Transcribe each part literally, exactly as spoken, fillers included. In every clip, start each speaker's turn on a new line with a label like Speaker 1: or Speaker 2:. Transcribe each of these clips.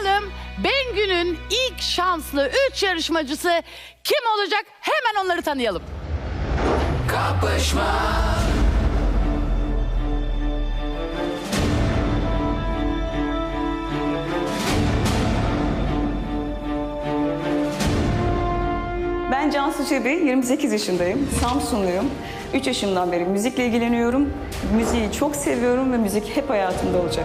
Speaker 1: Bakalım Bengü'nün ilk şanslı üç yarışmacısı kim olacak? Hemen onları tanıyalım.
Speaker 2: Kapışma.
Speaker 3: Ben Cansu Çebi, yirmi sekiz yaşındayım. Samsunluyum. üç yaşımdan beri müzikle ilgileniyorum. Müziği çok seviyorum ve müzik hep hayatımda olacak.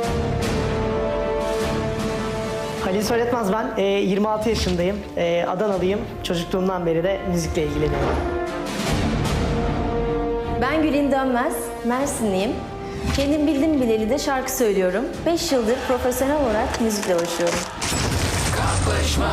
Speaker 4: Halil Söyletmez ben. E, yirmi altı yaşındayım. E, Adanalıyım. Çocukluğumdan beri de müzikle ilgileniyorum.
Speaker 5: Ben Gülin Dönmez, Mersinliyim. Kendim bildim bileli de şarkı söylüyorum. beş yıldır profesyonel olarak müzikle uğraşıyorum.
Speaker 2: Kapışma.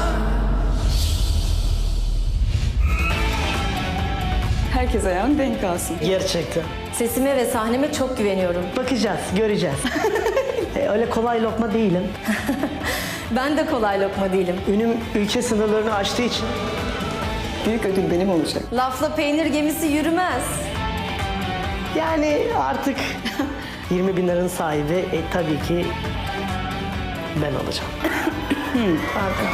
Speaker 3: Herkes ayağını denk alsın.
Speaker 4: Gerçekten.
Speaker 5: Sesime ve sahneme çok güveniyorum.
Speaker 4: Bakacağız, göreceğiz. e, öyle kolay lokma değilim.
Speaker 5: Ben de kolay lokma değilim.
Speaker 4: Ünüm ülke sınırlarını aştığı için
Speaker 3: Büyük ödül benim olacak.
Speaker 5: Lafla peynir gemisi yürümez.
Speaker 4: yani artık yirmi bin liranın sahibi e, tabii ki ben olacağım. Harika.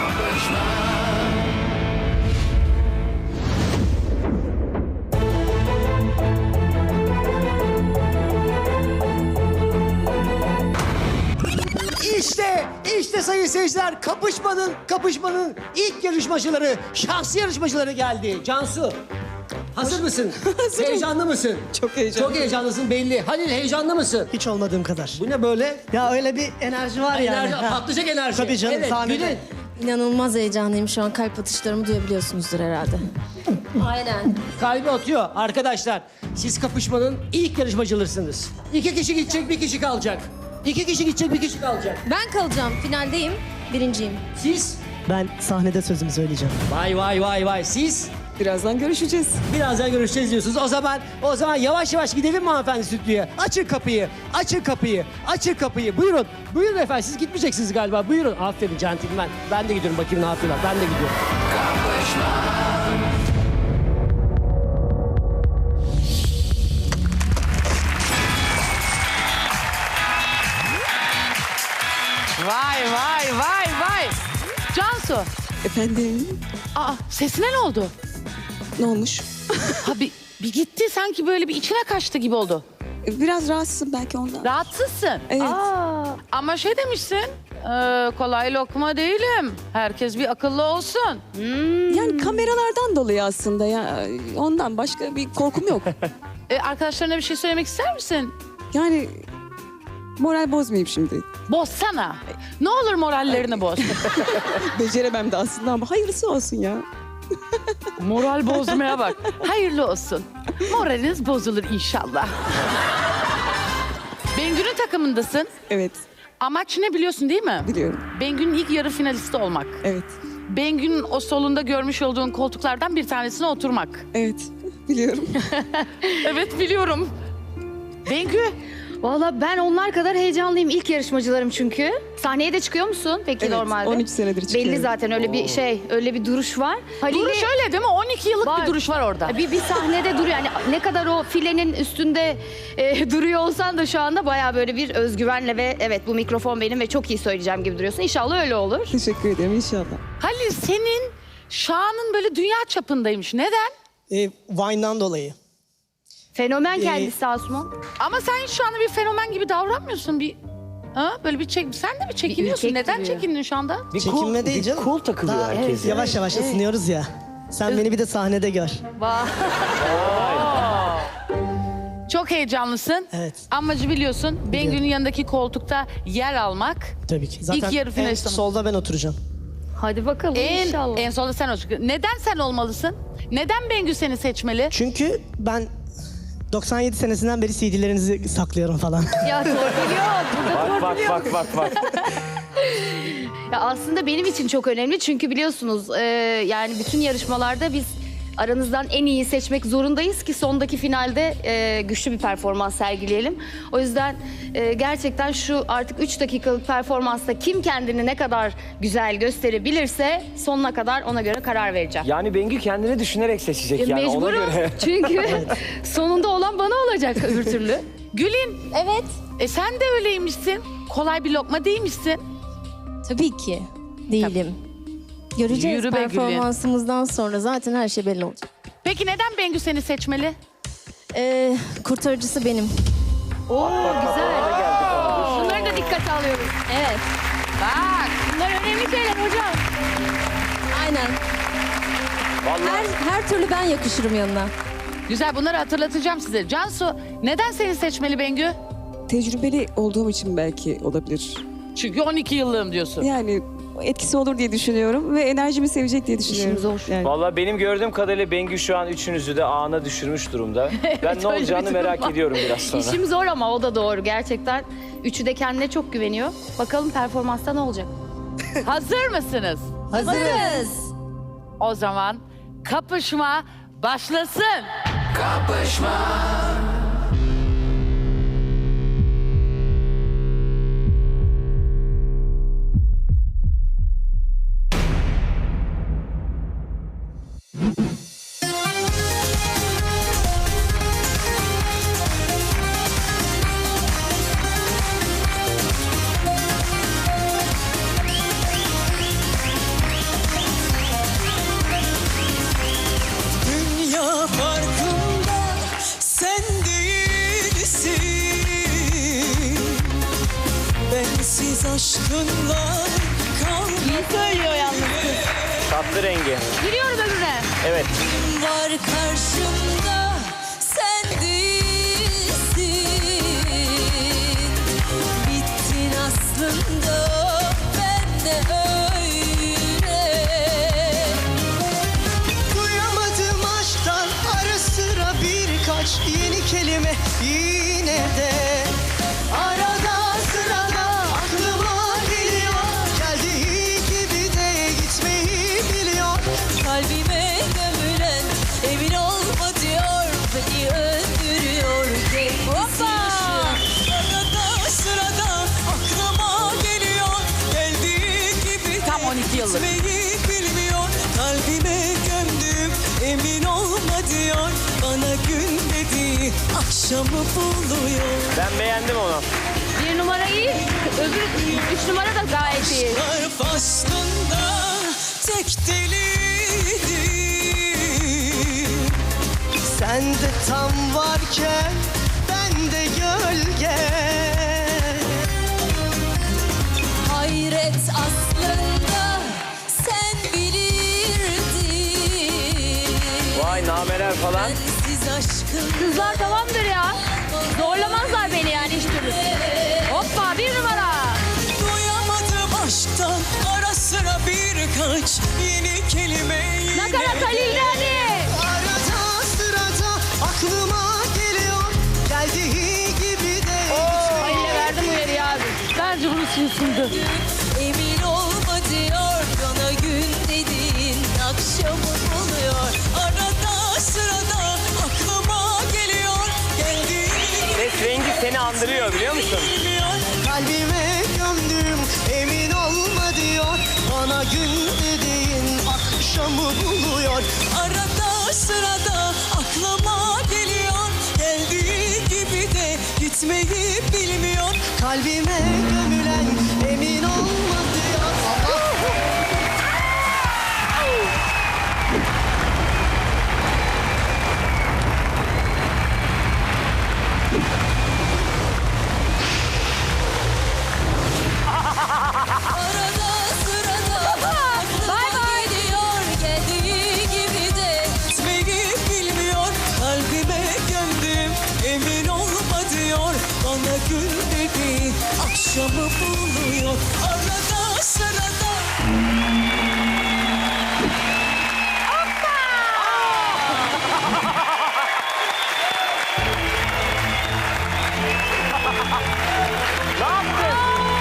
Speaker 6: İşte, işte sayın seyirciler kapışmanın, kapışmanın ilk yarışmacıları, şahsi yarışmacıları geldi. Cansu, hazır mısın? Heyecanlı mısın?
Speaker 3: Çok heyecanlıyım.
Speaker 6: Çok heyecanlısın belli. Halil heyecanlı mısın?
Speaker 4: Hiç olmadığım kadar.
Speaker 6: Bu ne böyle?
Speaker 4: Ya öyle bir enerji var yani.
Speaker 6: Enerji,
Speaker 4: Ha.
Speaker 6: patlayacak enerji.
Speaker 4: Tabii canım,
Speaker 6: Evet,
Speaker 4: sahnede.
Speaker 6: Gülün.
Speaker 5: İnanılmaz heyecanlıyım şu an. Kalp atışlarımı duyabiliyorsunuzdur herhalde. Aynen.
Speaker 6: Kalbi atıyor arkadaşlar. Siz kapışmanın ilk yarışmacılarısınız. İki kişi gidecek, bir kişi kalacak. İki kişi gidecek, bir kişi kalacak.
Speaker 5: Ben kalacağım. Finaldeyim. Birinciyim.
Speaker 6: Siz?
Speaker 4: Ben sahnede sözümü söyleyeceğim.
Speaker 6: Vay vay vay vay. Siz?
Speaker 3: Birazdan görüşeceğiz.
Speaker 6: Birazdan görüşeceğiz diyorsunuz. O zaman o zaman yavaş yavaş gidelim mi hanımefendi stüdyoya? Açın kapıyı, açın kapıyı, açın kapıyı. Buyurun, buyurun efendim. Siz gitmeyeceksiniz galiba. Buyurun. Aferin centilmen. Ben de gidiyorum bakayım ne yapıyorlar. Ben de gidiyorum.
Speaker 1: Vay vay vay vay. Cansu.
Speaker 7: Efendim,
Speaker 1: Aa, sesine ne oldu?
Speaker 7: ne olmuş?
Speaker 1: Ha bir, bir gitti sanki böyle bir içine kaçtı gibi oldu.
Speaker 7: Biraz rahatsızım belki ondan.
Speaker 1: Rahatsızsın.
Speaker 7: Evet.
Speaker 1: Aa, ama şey demişsin. e, kolay lokma değilim. Herkes bir akıllı olsun. Hmm.
Speaker 7: Yani kameralardan dolayı aslında ya. Ondan başka bir korkum yok.
Speaker 1: E, arkadaşlarına bir şey söylemek ister misin?
Speaker 7: Yani moral bozmayayım şimdi.
Speaker 1: Bozsana. Ne olur morallerini boz.
Speaker 7: Beceremem de aslında ama hayırlısı olsun ya.
Speaker 1: Moral bozmaya bak. Hayırlı olsun. Moraliniz bozulur inşallah. Bengü'nün takımındasın.
Speaker 7: Evet,
Speaker 1: Amaç ne biliyorsun değil mi?
Speaker 7: biliyorum.
Speaker 1: Bengü'nün ilk yarı finalisti olmak.
Speaker 7: Evet,
Speaker 1: Bengü'nün o solunda görmüş olduğun koltuklardan bir tanesine oturmak.
Speaker 7: evet. Biliyorum.
Speaker 1: Evet biliyorum. Bengü.
Speaker 8: Valla ben onlar kadar heyecanlıyım. İlk yarışmacılarım çünkü. Sahneye de çıkıyor musun peki
Speaker 7: Evet,
Speaker 8: normalde?
Speaker 7: on üç senedir çıkıyorum.
Speaker 8: Belli zaten öyle bir şey, öyle bir duruş var. Halil'de-
Speaker 1: Duruş öyle değil mi? on iki yıllık
Speaker 8: Var.
Speaker 1: bir duruş var orada.
Speaker 8: Bir, bir sahnede duruyor. Yani ne kadar o filenin üstünde e, duruyor olsan da şu anda bayağı böyle bir özgüvenle ve evet bu mikrofon benim ve çok iyi söyleyeceğim gibi duruyorsun. İnşallah öyle olur.
Speaker 7: Teşekkür ederim inşallah.
Speaker 1: Halil senin şanın böyle dünya çapındaymış. Neden?
Speaker 4: E, Vine'dan dolayı.
Speaker 8: Fenomen
Speaker 4: Ee,
Speaker 8: kendisi Asuman.
Speaker 1: Ama sen şu anda bir fenomen gibi davranmıyorsun. Bir ha? Böyle bir çek, sen de bir çekiniyorsun.
Speaker 8: ürkek
Speaker 1: Neden
Speaker 8: duruyor.
Speaker 1: çekindin şu anda?
Speaker 6: Bir
Speaker 4: Çekinme
Speaker 6: cool-
Speaker 4: değil
Speaker 6: bir
Speaker 4: canım.
Speaker 6: Cool takılıyor
Speaker 4: Daha
Speaker 6: herkes. ya.
Speaker 4: Yavaş yavaş ısınıyoruz ya. Sen beni bir de sahnede gör.
Speaker 1: Çok heyecanlısın.
Speaker 4: Evet.
Speaker 1: Amacı biliyorsun. Bengü'nün yanındaki koltukta yer almak.
Speaker 4: Tabii ki. Zaten
Speaker 1: İlk yarı
Speaker 4: en
Speaker 1: finalist olmak.
Speaker 4: solda ben oturacağım.
Speaker 8: Hadi bakalım
Speaker 1: En,
Speaker 8: inşallah.
Speaker 1: en solda sen olacaksın. Neden sen olmalısın? Neden Bengü seni seçmeli?
Speaker 4: Çünkü ben doksan yedi senesinden beri C D'lerinizi saklıyorum falan.
Speaker 8: Ya torpil yok. Burada
Speaker 2: Bak
Speaker 8: torpil
Speaker 2: bak
Speaker 8: yok.
Speaker 2: bak bak bak.
Speaker 8: Ya aslında benim için çok önemli çünkü biliyorsunuz e, yani bütün yarışmalarda biz aranızdan en iyi seçmek zorundayız ki sondaki finalde e, güçlü bir performans sergileyelim. O yüzden e, gerçekten şu artık üç dakikalık performansta kim kendini ne kadar güzel gösterebilirse sonuna kadar ona göre karar vereceğim.
Speaker 2: Yani Bengü kendini düşünerek seçecek
Speaker 8: E,
Speaker 2: yani ona
Speaker 8: Mecburum
Speaker 2: göre.
Speaker 8: çünkü sonunda olan bana olacak öbür türlü.
Speaker 1: Gülin.
Speaker 8: Evet.
Speaker 1: E sen de öyleymişsin. Kolay bir lokma değilmişsin.
Speaker 5: Tabii ki değilim. Göreceğiz
Speaker 1: Yürü be Gülün.
Speaker 5: performansımızdan sonra zaten her şey belli olacak.
Speaker 1: Peki neden Bengü seni seçmeli?
Speaker 5: Ee, kurtarıcısı benim.
Speaker 8: Oo güzel. Bunları da dikkate alıyoruz.
Speaker 5: Evet.
Speaker 8: Bak bunlar önemli şeyler hocam.
Speaker 5: Aynen. Her, her türlü ben yakışırım yanına.
Speaker 1: Güzel, bunları hatırlatacağım size. Cansu, neden seni seçmeli Bengü?
Speaker 7: Tecrübeli olduğum için belki olabilir.
Speaker 1: Çünkü on iki yıllığım diyorsun.
Speaker 7: Yani etkisi olur diye düşünüyorum ve enerjimi sevecek diye düşünüyorum.
Speaker 8: İşim zor.
Speaker 7: Yani.
Speaker 2: Vallahi benim gördüğüm kadarıyla Bengü şu an üçünüzü de ağına düşürmüş durumda. Ben ne
Speaker 1: öyle bir
Speaker 2: olacağını
Speaker 1: durum
Speaker 2: merak
Speaker 1: var.
Speaker 2: ediyorum biraz sonra.
Speaker 8: İşim zor ama o da doğru gerçekten. Üçü de kendine çok güveniyor. Bakalım performansta ne olacak?
Speaker 1: Hazır mısınız?
Speaker 5: Hazırız.
Speaker 1: O zaman kapışma başlasın.
Speaker 9: Dünya farkında sen değilsin. Bensiz aşkınla kalbim
Speaker 8: söylüyor yalnız.
Speaker 2: Tatlı rengi.
Speaker 8: Giriyorum öbürüne.
Speaker 2: Evet.
Speaker 9: var karşımda sen değilsin. Bittin aslında ben de öyle. Duyamadım aşktan ara sıra birkaç yeni kelime yine de. Arada sırada aklıma geliyor. Geldiği gibi de gitmeyi biliyor. Kalbime gömülen emin olma diyor. Beni öldürüyor. Hoppa! Arada sırada aklıma geliyor. Geldiği gibi de
Speaker 1: Tam on iki yıllık.
Speaker 9: gitmeyi bilmiyor. Kalbime gömdüm emin olma diyor. Bana gün dediği akşamı buluyor.
Speaker 2: Ben beğendim onu.
Speaker 8: Bir numara iyi. Öbür üç numara da gayet iyi.
Speaker 9: Aşklar faslında tek deliydi. Sen de tam varken ben de gölge. Hayret aslında sen bilirdin.
Speaker 2: Vay nameler falan.
Speaker 9: Bensiz aşkın
Speaker 8: Kızlar tamamdır ya. Zorlamazlar beni yani hiç türlü. Hoppa bir numara.
Speaker 9: duyamadım aşktan ara sıra birkaç yeni kelime yine
Speaker 8: Nakarat
Speaker 9: de.
Speaker 8: Halil'de hadi.
Speaker 9: Arada sırada aklıma geliyor. Geldiği gibi de
Speaker 1: Halil'e verdim uyarıyı abi. Bence bunu susundu.
Speaker 9: emin olma diyor. Bana gün dediğin akşamı buluyor. Arada sırada aklıma geliyor. Geldiği gibi
Speaker 2: Ses rengi seni andırıyor biliyor musun?
Speaker 9: bilmiyor. Kalbime gömdüm emin olma diyor. Bana gün dediğin akşamı buluyor. Arada sırada aklıma geliyor. Geldiği gibi de gitmeyi bilmiyor. Kalbime gömülen emin olma diyor. Arada sırada aklıma geliyor. Geldiği gibi de gitmeyi bilmiyor. Kalbime gömdüm emin olma diyor. Bana gün dedi akşamı buluyor. Arada sırada
Speaker 2: Ne yaptın?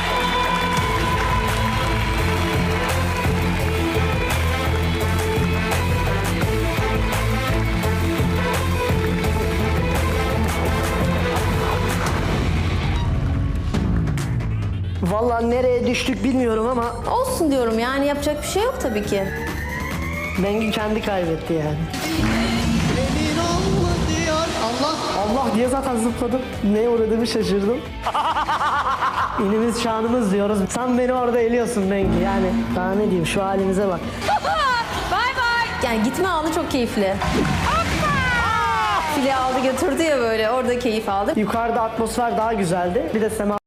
Speaker 4: Vallahi nereye düştük bilmiyorum ama
Speaker 5: Olsun diyorum yani yapacak bir şey yok tabii ki.
Speaker 4: Bengü kendi kaybetti yani.
Speaker 9: emin olma diyor. Allah
Speaker 4: Allah diye zaten zıpladım. Neye uğradığımı şaşırdım. İnimiz şanımız diyoruz. Sen beni orada eliyorsun Bengi. Yani daha ne diyeyim, şu halimize bak.
Speaker 5: Yani gitme anı çok keyifli. File aldı götürdü ya böyle orada keyif aldım.
Speaker 4: Yukarıda atmosfer daha güzeldi. Bir de sema